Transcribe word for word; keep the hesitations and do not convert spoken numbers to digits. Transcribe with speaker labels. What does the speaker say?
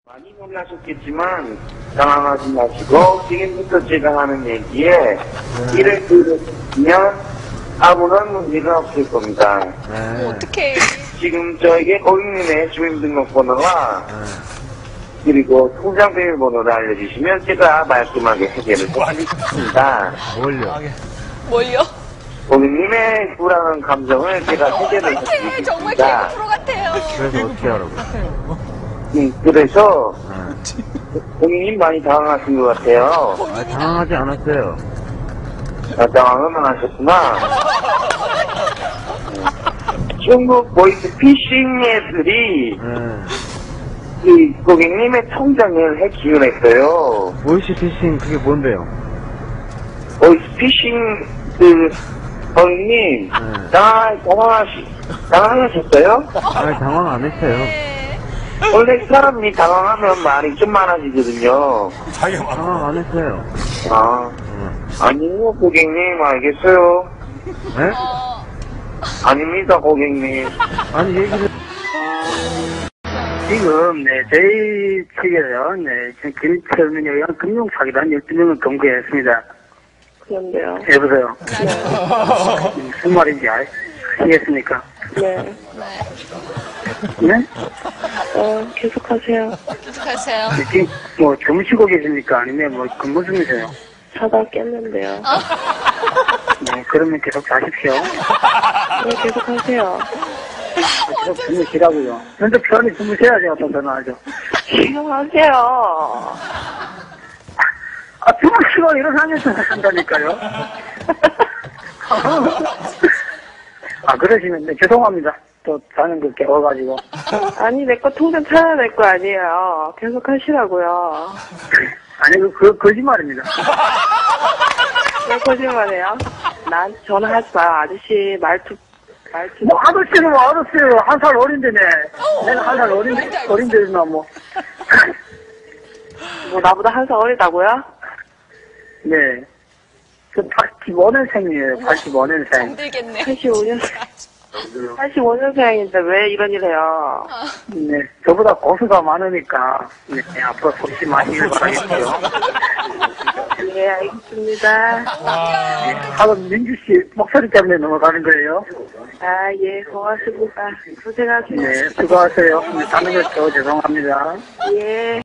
Speaker 1: 많이 놀라셨겠지만 당황하지 마시고 지금부터 제가 하는 얘기에 네. 이를 들으시면 아무런 문제가 없을 겁니다.
Speaker 2: 네. 어떡해.
Speaker 1: 지금 저에게 고객님의 주민등록번호와 네. 그리고 통장 비밀번호를 알려주시면 제가 말끔하게 해결을 해드리겠습니다.
Speaker 3: 뭘요?
Speaker 2: 뭘요?
Speaker 1: 고객님의 불안한 감정을 제가 해결을 해드리겠습니다.
Speaker 2: 정말 개그 프로 같아요.
Speaker 3: 그래서 어떻게 하라고?
Speaker 1: 음, 그래서 네. 고객님 많이 당황하신 것 같아요.
Speaker 3: 아, 당황하지 않았어요.
Speaker 1: 아, 당황은 안 하셨구나. 중국 보이스 피싱 애들이
Speaker 3: 네.
Speaker 1: 이 고객님의 통장을 해킹을 했어요.
Speaker 3: 보이스피싱 그게 뭔데요?
Speaker 1: 보이스 피싱 그 고객님
Speaker 3: 네.
Speaker 1: 당황, 당황하시, 당황하셨어요?
Speaker 3: 아, 당황 안 했어요.
Speaker 1: 원래 사람이 당황하면 말이 좀 많아지거든요.
Speaker 3: 당황 안 했어요.
Speaker 1: 아,
Speaker 3: 네.
Speaker 1: 아니요 고객님 알겠어요.
Speaker 3: 네?
Speaker 1: 아닙니다 고객님.
Speaker 3: 아니, 얘기를.
Speaker 4: 지금, 네, 저희 측에서요, 네, 지금 김철민에 의한 금융사기단 열두 명을 검거했습니다.
Speaker 5: 그런데요.
Speaker 4: 여보세요?
Speaker 5: 네.
Speaker 4: 무슨 말인지 아시겠습니까?
Speaker 5: 네.
Speaker 4: 네?
Speaker 5: 어, 계속하세요.
Speaker 2: 계속하세요.
Speaker 4: 지금, 뭐, 주무시고 계십니까? 아니면 뭐, 근무 중이세요?
Speaker 5: 자다 깼는데요.
Speaker 4: 네, 그러면 계속 자십시오.
Speaker 5: 네, 계속하세요.
Speaker 4: 계속 주무시라고요. 먼저 편히 주무셔야지, 어떤 전화하죠.
Speaker 5: 계속하세요.
Speaker 4: 아, 주무시고 일어나면서 한다니까요. 아, 그러시면, 네, 죄송합니다. 또 자는 거 깨워가지고.
Speaker 5: 아니, 내 거 통장 찾아낼 거 아니에요. 계속하시라고요.
Speaker 4: 아니, 그, 그, 거짓말입니다.
Speaker 5: 왜 거짓말해요? 난 전화하지 마요. 아저씨 말투, 말투.
Speaker 4: 뭐, 아저씨는 뭐, 아저씨는 한 살 어린데네. 내가 한 살 어린데, 어린데나 뭐.
Speaker 5: 뭐, 나보다 한 살 어리다고요?
Speaker 4: 네. 저 팔십오 년생이에요, 팔십오 년생.
Speaker 2: 힘들겠네.
Speaker 5: 팔십오 년생. 팔십오 년생인데 왜 이런 일 해요?
Speaker 4: 네. 저보다 고수가 많으니까, 네, 앞으로 속시 많이 일 바라겠고요.
Speaker 5: 네, 알겠습니다.
Speaker 4: 네. 하루 민주씨 목소리 때문에 넘어가는 거예요.
Speaker 5: 아, 예, 고맙습니다. 고생하세요.
Speaker 4: 네, 수고하세요. 네, 자는 거 저 죄송합니다.
Speaker 5: 예.